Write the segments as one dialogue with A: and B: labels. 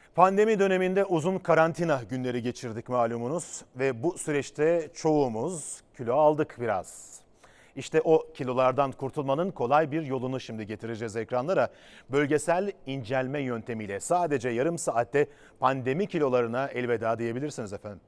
A: Pandemi döneminde uzun karantina günleri geçirdik malumunuz ve bu süreçte çoğumuz kilo aldık biraz. İşte o kilolardan kurtulmanın kolay bir yolunu şimdi getireceğiz ekranlara. Bölgesel incelme yöntemiyle sadece yarım saatte pandemi kilolarına elveda diyebilirsiniz efendim.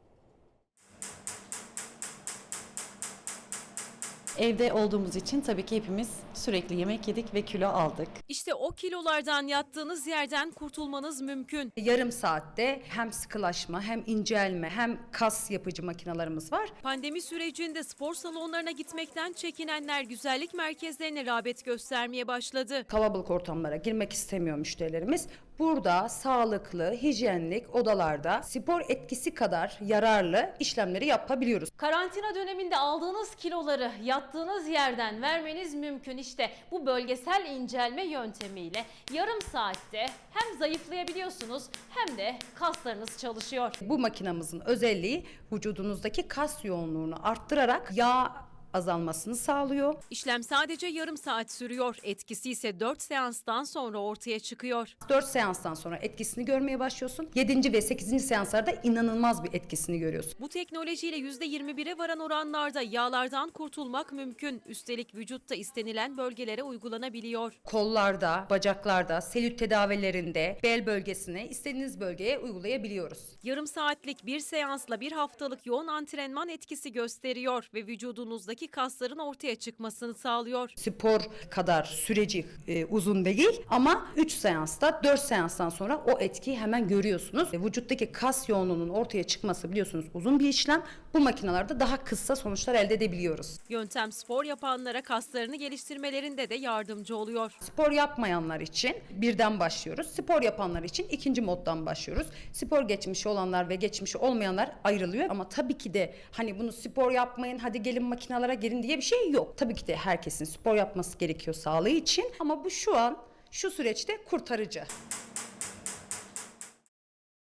B: Evde olduğumuz için tabii ki hepimiz sürekli yemek yedik ve kilo aldık.
C: İşte o kilolardan yattığınız yerden kurtulmanız mümkün.
D: Yarım saatte hem sıkılaşma hem incelme hem kas yapıcı makinalarımız var.
C: Pandemi sürecinde spor salonlarına gitmekten çekinenler güzellik merkezlerine rağbet göstermeye başladı.
D: Kalabalık ortamlara girmek istemiyor müşterilerimiz. Burada sağlıklı, hijyenlik odalarda spor etkisi kadar yararlı işlemleri yapabiliyoruz.
E: Karantina döneminde aldığınız kiloları yattığınız yerden vermeniz mümkün. İşte bu bölgesel incelme yöntemiyle yarım saatte hem zayıflayabiliyorsunuz hem de kaslarınız çalışıyor.
D: Bu makinamızın özelliği vücudunuzdaki kas yoğunluğunu arttırarak yağ azalmasını sağlıyor.
C: İşlem sadece yarım saat sürüyor. Etkisi ise 4 seanstan sonra ortaya çıkıyor.
D: 4 seanstan sonra etkisini görmeye başlıyorsun. 7. ve 8. seanslarda inanılmaz bir etkisini görüyorsun.
C: Bu teknolojiyle %21'e varan oranlarda yağlardan kurtulmak mümkün. Üstelik vücutta istenilen bölgelere uygulanabiliyor.
D: Kollarda, bacaklarda, selülit tedavilerinde, bel bölgesine, istediğiniz bölgeye uygulayabiliyoruz.
C: Yarım saatlik bir seansla bir haftalık yoğun antrenman etkisi gösteriyor ve vücudunuzdaki kasların ortaya çıkmasını sağlıyor.
D: Spor kadar süreci uzun değil ama 3 seansta, 4 seanstan sonra o etkiyi hemen görüyorsunuz. Vücuttaki kas yoğunluğunun ortaya çıkması biliyorsunuz uzun bir işlem. Bu makinalarda daha kısa sonuçlar elde edebiliyoruz.
C: Yöntem spor yapanlara kaslarını geliştirmelerinde de yardımcı oluyor.
D: Spor yapmayanlar için birden başlıyoruz. Spor yapanlar için ikinci moddan başlıyoruz. Spor geçmişi olanlar ve geçmişi olmayanlar ayrılıyor. Ama tabii ki de hani bunu spor yapmayın, hadi gelin makinalara girin diye bir şey yok. Tabii ki de herkesin spor yapması gerekiyor sağlığı için. Ama bu şu süreçte kurtarıcı.